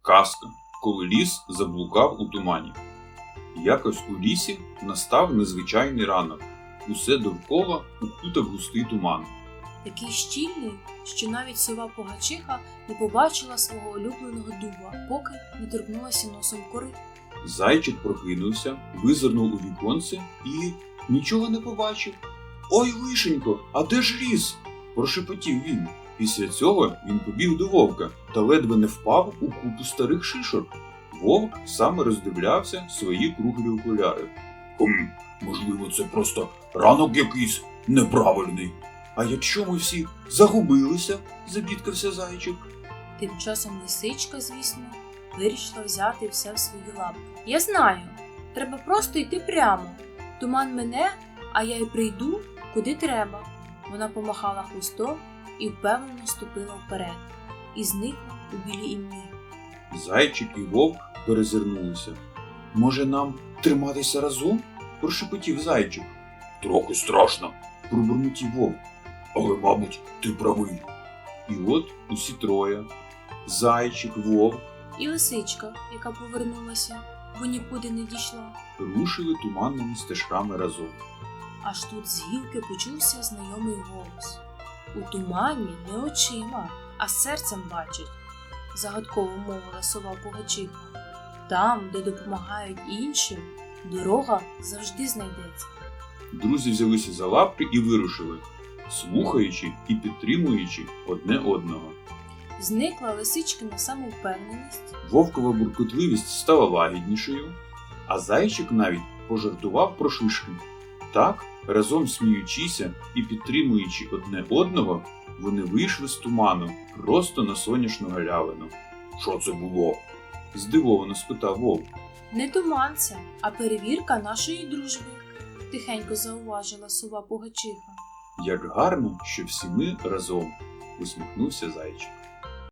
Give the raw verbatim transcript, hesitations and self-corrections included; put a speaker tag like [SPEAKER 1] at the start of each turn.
[SPEAKER 1] Казка, коли ліс заблукав у тумані. Якось у лісі настав незвичайний ранок. Усе довкола укутав густий туман.
[SPEAKER 2] Такий щільний, що навіть сова Погачиха не побачила свого улюбленого дуба, поки не торкнулася носом кори.
[SPEAKER 1] Зайчик прокинувся, визирнув у віконце і нічого не побачив. «Ой, лишенько, а де ж ліс?» – прошепотів він. Після цього він побіг до вовка та ледве не впав у купу старих шишок. Вовк саме роздивлявся свої круглі окуляри. «Хм, можливо, це просто ранок якийсь неправильний. А якщо ми всі загубилися?» – забідкався зайчик.
[SPEAKER 2] Тим часом лисичка, звісно, вирішила взяти все в свої лапи. «Я знаю, треба просто йти прямо. Туман мине, а я й прийду, куди треба». Вона помахала хвостом і впевнено ступила вперед. І зникла у білій імлі.
[SPEAKER 1] Зайчик і вовк перезирнулися. «Може, нам триматися разом?» – прошепотів зайчик. «Трохи страшно», – пробурмотів вовк. «Але, мабуть, ти правий». І от усі троє – зайчик, вовк
[SPEAKER 2] І лисичка, яка повернулася, бо нікуди не дійшла.
[SPEAKER 1] – рушили туманними стежками разом.
[SPEAKER 2] Аж тут з гілки почувся знайомий голос. «У тумані не очима, а серцем бачить», – загадково мовила сова Погачиха. «Там, де допомагають іншим, дорога завжди знайдеться».
[SPEAKER 1] Друзі взялися за лапки і вирушили, слухаючи і підтримуючи одне одного.
[SPEAKER 2] Зникла лисичкина самовпевненість.
[SPEAKER 1] Вовкова буркотливість стала лагіднішою, а зайчик навіть пожартував про шишки. Так, разом сміючися і підтримуючи одне одного, вони вийшли з туману просто на сонячну галявину. «Що це було?» – здивовано спитав вовк.
[SPEAKER 2] «Не туман це, а перевірка нашої дружби», – тихенько зауважила сова Погачиха.
[SPEAKER 1] «Як гарно, що всі ми разом», – усміхнувся зайчик.